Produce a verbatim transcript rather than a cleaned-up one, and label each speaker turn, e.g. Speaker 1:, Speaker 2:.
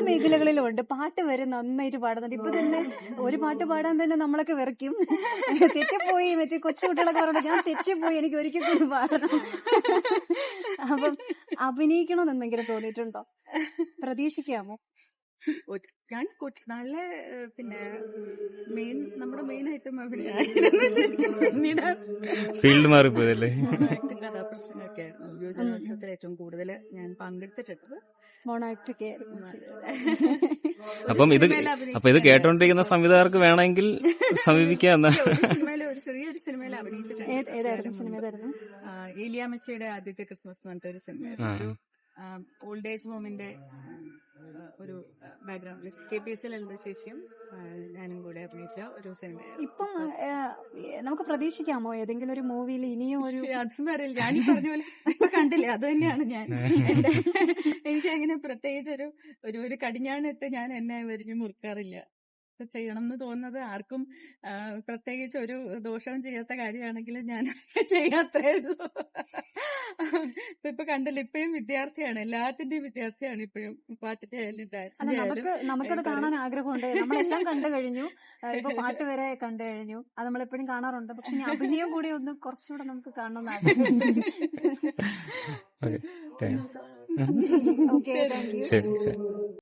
Speaker 1: മേഖലകളിലും ഉണ്ട്. പാട്ട് വരെ നന്നായിട്ട് പാടുന്നുണ്ട്. ഇപ്പൊ തന്നെ ഒരു പാട്ട് പാടാൻ തന്നെ നമ്മളൊക്കെ വിറയ്ക്കും. തെറ്റിപ്പോയി, മറ്റേ കൊച്ചു കുട്ടികളൊക്കെ പറഞ്ഞു ഞാൻ തെറ്റിപ്പോയി, എനിക്ക് ഒരിക്കൽ കൂടി പാടണം. അപ്പം അഭിനയിക്കണമെന്ന് എന്തെങ്കിലും തോന്നിയിട്ടുണ്ടോ? പ്രതീക്ഷിക്കാമോ?
Speaker 2: ഒരു- ഞാൻ കൊച്ചുനാളിലെ ഏഹ്, പിന്നെ മെയിൻ നമ്മുടെ മെയിൻ ഐറ്റം അഭിനയായിരുന്നു ശരിക്കും. പിന്നീട്
Speaker 3: ഫീൽഡ് മാറിപ്പോയതല്ലേ?
Speaker 2: ആക്ടിങ് കഥാപ്രസംഗമൊക്കെ ആയിരുന്നു യുവജനോത്സവത്തിൽ ഏറ്റവും കൂടുതൽ ഞാൻ പങ്കെടുത്തിട്ടുള്ളത്.
Speaker 1: മോണാക്ടൊക്കെ
Speaker 3: അപ്പം ഇത്
Speaker 2: സിനിമയിൽ
Speaker 3: അപ്പൊ ഇത് കേട്ടോണ്ടിരിക്കുന്ന സംവിധായകർക്ക് വേണമെങ്കിൽ സമീപിക്കാം എന്നാ.
Speaker 2: ഒരു സിനിമയിൽ ഒരു ചെറിയൊരു സിനിമയിൽ അഭിനയിച്ചിട്ടുണ്ട്. കുറച്ച്
Speaker 1: ഏതായിരുന്നു
Speaker 2: കാലം
Speaker 1: സിനിമ
Speaker 2: മുൻപ്.
Speaker 1: ഏതായിരുന്നു?
Speaker 2: ആ, ഏലിയാമ്മച്ചിയുടെ ആദ്യത്തെ ക്രിസ്മസ് എന്ന് പറഞ്ഞിട്ട് ഒരു സിനിമയായിരുന്നു. ഒരു ഓൾഡ് ഏജ് ഹോമിന്റെ ഒരു ബാക്ക്ഗ്രൗണ്ടിൽ കെ പി എസ് ലളിത ചേച്ചിയും ആ, ഞാനും കൂടെ അഭിനയിച്ച ഒരു സിനിമയായിരുന്നു.
Speaker 1: ഇപ്പം ഏഹ്, നമുക്ക് പ്രതീക്ഷിക്കാമോ ഏതെങ്കിലും ഒരു മൂവിയിൽ ഇനിയും ഒരു
Speaker 2: അതൊന്നും അറിയില്ല. ഞാൻ ഈ പറഞ്ഞ പോലെ ഇപ്പൊ കണ്ടില്ലേ, അത് തന്നെയാണ് ഞാൻ. എന്റെ എനിക്ക് അങ്ങനെ പ്രത്യേകിച്ച് ഒരു ഒരു ഒരു കടിഞ്ഞാണിട്ട് ഞാൻ എന്നെ വരിഞ്ഞു മുറുക്കാറില്ല. ഇപ്പൊ ചെയ്യണം എന്ന് തോന്നുന്നത് ആർക്കും ആ, പ്രത്യേകിച്ച് ഒരു ദോഷവും ചെയ്യാത്ത കാര്യമാണെങ്കിൽ ഞാൻ ചെയ്യാത്തേ ഉള്ളൂ. ഇപ്പൊ ഇപ്പൊ കണ്ടില്ല, ഇപ്പോഴും വിദ്യാർത്ഥിയാണ്, എല്ലാത്തിന്റെയും വിദ്യാർത്ഥിയാണ് ഇപ്പോഴും. പാട്ടിന്റെ ആയാലും
Speaker 1: അല്ല
Speaker 2: ഡാൻസിന്റെ ആയാലും.
Speaker 1: നമുക്ക് നമുക്കത് കാണാൻ ആഗ്രഹമുണ്ട്. നമ്മളെല്ലാം കണ്ടു കഴിഞ്ഞു. ഏഹ്, ഇപ്പൊ പാട്ട് വരെ കണ്ടു കഴിഞ്ഞു. അത് നമ്മളെപ്പോഴും കാണാറുണ്ട്. പക്ഷെ ഇനി അഭിനയം കൂടി ഒന്ന് കുറച്ചുകൂടെ നമുക്ക് കാണണമെന്ന് ആഗ്രഹമുണ്ട്.
Speaker 3: Okay,
Speaker 1: okay, thank you.
Speaker 3: ശരി ശരി.